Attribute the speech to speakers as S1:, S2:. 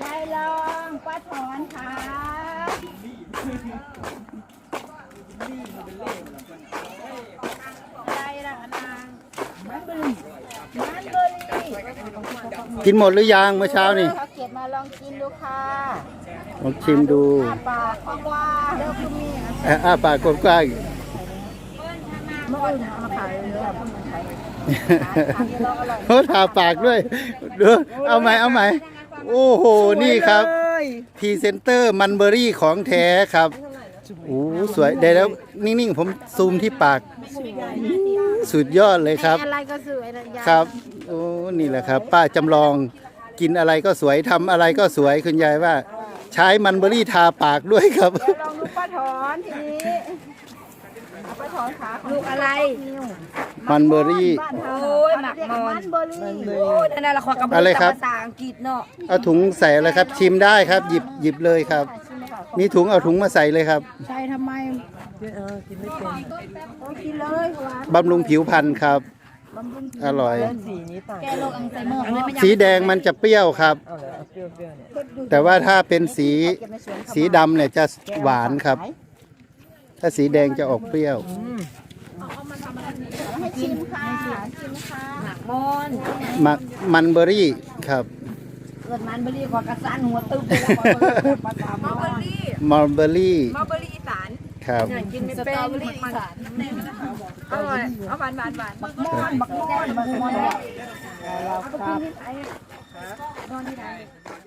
S1: ได้ลองป้าถอนค่ะอะไรล่ะนางมันเบอรี่
S2: กินหมดหรือยังเมื่อเช้านี่
S1: เขาเก็บมาลองกินดูค่ะ
S2: ลองชิมดู
S1: ปากกว้างแล้วก็มี
S2: ปากกว้าง
S1: เมื่ออื่นมาขายเลยค่ะ
S2: เขาทาปากด้วยดูเอาไหมโอ้โหนี่ครับพรีเซนเตอร์มันเบอรี่ของแท้ครับโอ้สวยได้แล้วนิ่งๆผมซูมที่ปากสุดยอดเลยครับ
S1: อะไรก็สวย
S2: ครับโอ้นี่แหละครับป้าจำลองกินอะไรก็สวยทำอะไรก็สวยคุณยายว่าใช้มันเบอรี่ทาปากด้วยครับ
S1: ลองดูป้าถอนทีนี้ป้าถอนขาลูกอะไร
S2: มันเบอรี่
S1: โอ้ยหมักมันเบอรี่โอ้ยนั่นแหละขอกระบอกภาษาอังกฤษเนาะ
S2: เอาถุงใส่เลยครับชิมได้ครับหยิบเลยครับมีถุงเอาถุงมาใส่เลยครับ
S1: ใช่ทำไมกินไม่เป็นกินเลย
S2: บำรุงผิวพรรณครับอร่อย
S1: แก้โรคอัลไซเมอร์
S2: สีแดงมันจะเปรี้ยวครับแต่ว่าถ้าเป็นสีดำเนี่ยจะหวานครับถ้าสีแดงจะออกเปรี้ยว
S1: ให้ชิมค่ะชิมค่ะ
S2: หมักมันเบอรี่ครับ
S1: เกิดมันเบอรี่กว่ากระสันหัวตึ๊บเลย
S2: มัลเบอรี่
S1: อีสาน
S2: ครับ
S1: กินเป็นอีสานอร่อยเอาหวานบักม่อนเอาไปกินที่ไหนนอนที่ไหน